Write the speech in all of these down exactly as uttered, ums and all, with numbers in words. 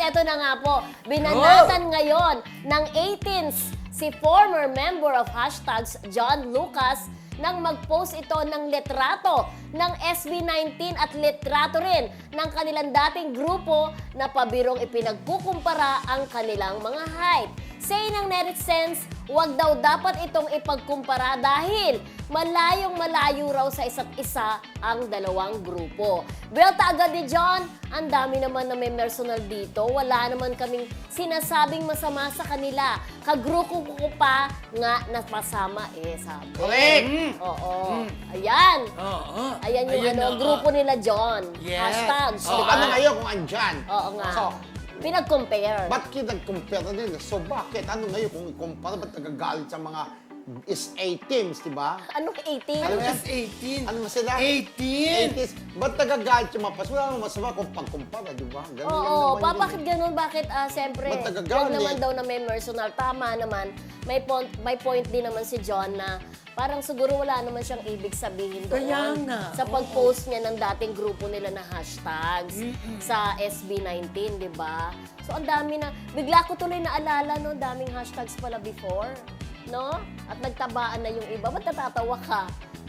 eto na nga po. Binanatan ngayon ng eighteens si former member of hashtags John Lucas nang mag-post ito ng litrato ng S B nineteen at litrato rin ng kanilang dating grupo na pabirong ipinagkukumpara ang kanilang mga height. Say ng netizens, wag daw dapat itong ipagkumpara dahil malayong malayo raw sa isa't isa ang dalawang grupo. Belta agad ni John, ang dami naman na may personal dito. Wala naman kaming sinasabing masama sa kanila. Kagrupo ko pa nga napasama eh, sabi. Correct! Oo. Ayan. Oo. Ayan yung Ayun, ano, oo. grupo nila John. Yes. Hashtags, So, di ba? ano ngayon kung andyan? Oo nga. So, Pinag-compare. ba't kinag-compare nila? So, bakit? Ano ngayon kung ikumpara? Ba't nagagalit sa mga is A teams, di ba? Anong eighteen? Ano yan? Plus eighteen. Ano ba sila? eighteen. eighties. Ba't nagagalit yung mga pas? Wala namang masama kung pagkumpara, di ba? Ganun lang Oo, naman pa, yun. bakit ganun? Bakit, ah, siyempre, Ba't nagagalit? huwag naman daw na may personal. Tama naman, may point, may point din naman si John na parang siguro wala naman siyang ibig sabihin doon. Kaya nga, Sa pag-post niya ng dating grupo nila na hashtags sa S B nineteen, di ba? So, ang dami na, bigla ko tuloy naalala, no, daming hashtags pala before, no? At nagtabaan na yung iba. Ba't natatawa ka?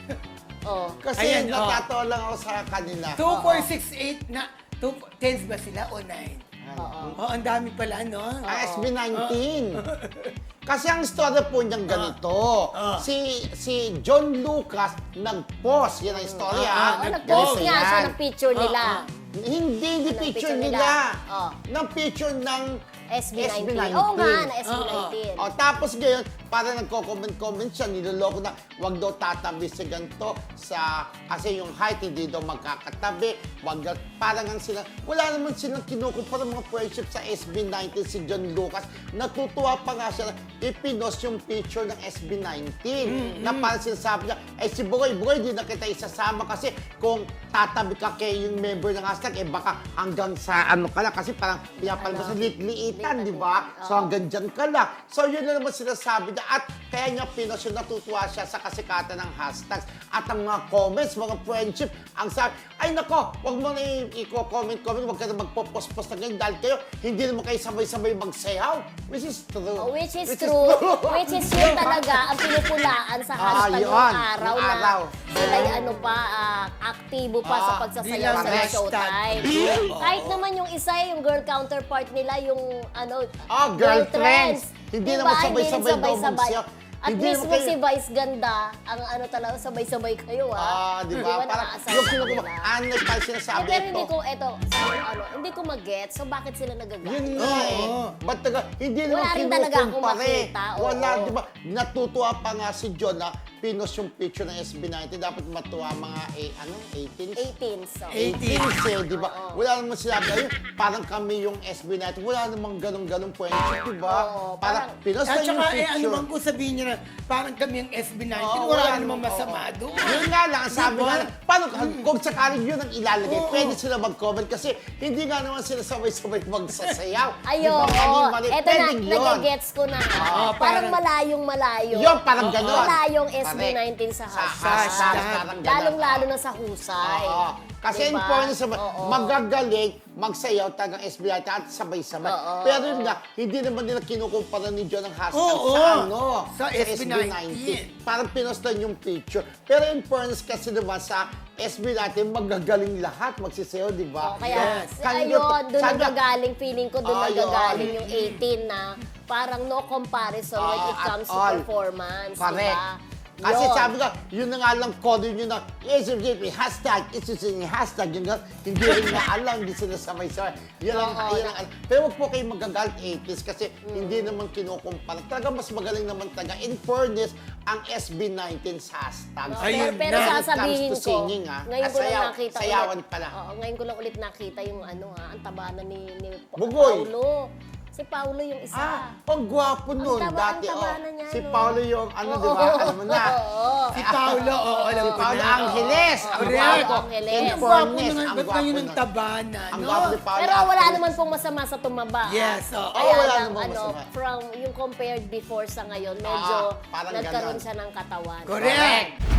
Oh. Kasi Ayan, oh. natatawa lang ako sa kanila. two, four, six, eight na, two, tens ba sila o nine? Oo. Oo, ang dami pala, no? Ang S B nineteen. Kasi ang story po niyang ganito. Ah. Si si John Lucas nag-post. Yan ang story, Ah, ha? Oh, nag-post Ganito nga siya yan. ng picture nila. Hindi, hindi Ng picture picture nila. nila. Oh. Ng picture ng S B S B nineteen. nineteen. Oo nga, na S B nineteen. O, tapos ngayon, para nagko-comment-comment siya, niloloko na, wag daw tatabi si ganito sa, kasi yung height hindi daw magkakatabi, wag daw, parang ang sila, wala naman silang kinukumpara mga friendship sa S B nineteen, si John Lucas. Natutuwa pa nga siya na ipinos yung picture ng S B nineteen. Na parang sinasabi niya, eh si Bugoy, Bugoy, di na kita isasama kasi kung tatabi ka kay yung member ng hashtag, eh baka hanggang sa ano ka lang, kasi parang pinapalabas sa liit-liitan, di ba? So hanggang dyan ka lang. So yun na naman sinasabi niya at kaya niya pinos yun, natutuwa siya sa kasikatan ng hashtags at ang mga comments, mga friendship, ang sabi, ay nako, wag mo na i- i-comment-comment, wag ka na magpo-post-post na ganyan dahil kayo, hindi naman kayo sabay-sabay magsayaw. Which is true. Oh, which is true. Which is yun talaga ang pinupulaan sa Ah, hashtag yun. yung araw Yung na araw. sila yung ano pa, ah, aktibo pa sa Ah, pagsasayaw bilang sa hashtag. showtime. Oo. Kahit naman yung isa, yung girl counterpart nila, yung ano, Ah, girl trends. Hindi Diba? naman sabay-sabay rin daw sabay-sabay. magsayaw. At Hindi mismo naman kayo- si Vice Ganda, ang ano talaga, sabay-sabay kayo, Ah, ah. di ba? Parang nakasama yung kinukuha, nila? ano pa Eh, sinasabi pero ito. hindi ko, eto, sabi ko, ano, hindi ko mag-get, so bakit sila nagagalit? Yun nga eh. Oo. Ba't taga, hindi Wala naman rin talaga akong kinukumpare. makita, oo. Wala, di ba? Natutuwa pa nga si John na pinos yung picture ng S B nineteen. Dapat matuwa mga, eh, ano, eighteen? eighteen, so. Eighteen. eighteen eh, di ba? Wala naman sila ayun, parang kami yung S B nineteen. Wala namang ganun-ganun friendship, di ba? Oo, Parang parang- pinos At na yung saka, eh, ano picture. bang kung sabihin niya na parang kami ang S B nineteen, Oo, wala wala namang namang- masama oo. doon. Yun nga lang, ang sabi Diba? nga, paano, kung sakaling yun ang ilalagay, Oo. pwede sila mag-comment kasi hindi nga naman sila sabay-sabay magsasayaw. Ayun, Di ba? oo. Mali-mali. Eto na, Pwedeng yun. nagigets ko na. Oo, parang parang- malayong malayo. Yun, parang gano'n. Malayong S B Correct. nineteen sa Sa hashtag. hashtag, parang gano'n. Lalong-lalo na sa husay. Oo. Kasi in Diba? fairness naman, Oo. magagaling, magsayaw talagang S B nineteen at sabay-sabay. Oo, Pero yun oo. nga, hindi naman nila kinukumpara ni John ang hashtag Oo, sa ano, sa S B nineteen. Parang pinostan yung picture. Pero in fairness kasi naman sa S B nineteen, magagaling lahat, magsisayaw, di ba? Oh, kaya, Yes. ayun, doon Sabi- nanggagaling, feeling ko doon Ayun. nanggagaling yung eighteen na parang no comparison when Oo, it at comes to all. performance. Correct. Diba? Kasi Yun. sabi ko, yun na nga lang code yun na, yes, hashtag, it's yung hashtag, yun nga, hindi rin na alam, hindi sila sabay-sabay. Yan ang, Oo, yan ang, pero wag po kayo magagalit eighties kasi hindi naman kinukumpara. Talaga mas magaling naman talaga. In fairness, ang S B nineteen sa hashtag. No, Ayun pero, pero na. sasabihin When it comes to ko, singing, ah, ngayon ko lang sayaw- nakita sayawan ulit. pala. Oo, ngayon ko lang ulit nakita yung ano ha, ang taba na ni, ni Pa- Bugoy. Paulo. Si Paulo yung isa. Ah, ang gwapo nun Ang taba- dati. ang taba oh. na niya, Si no? Paulo yung, ano, Oo, di ba? Alam mo na. Oo. Si Paolo, oo, alam Si ko Paulo na. Angeles. Oo, Ang Correct. gwapo. Angeles. In Ang gwapo fairness, naman, ang ba't gwapo kayo ng nun. tabana, Ang no? gwapo ni Paulo Pero wala Angeles. naman pong masama sa tumaba. Yes, oo. Kaya Oo, wala lang, namang ano, masama. from yung compared before sa ngayon, medyo Ah, parang nagkaroon ganon. siya ng katawan. Correct.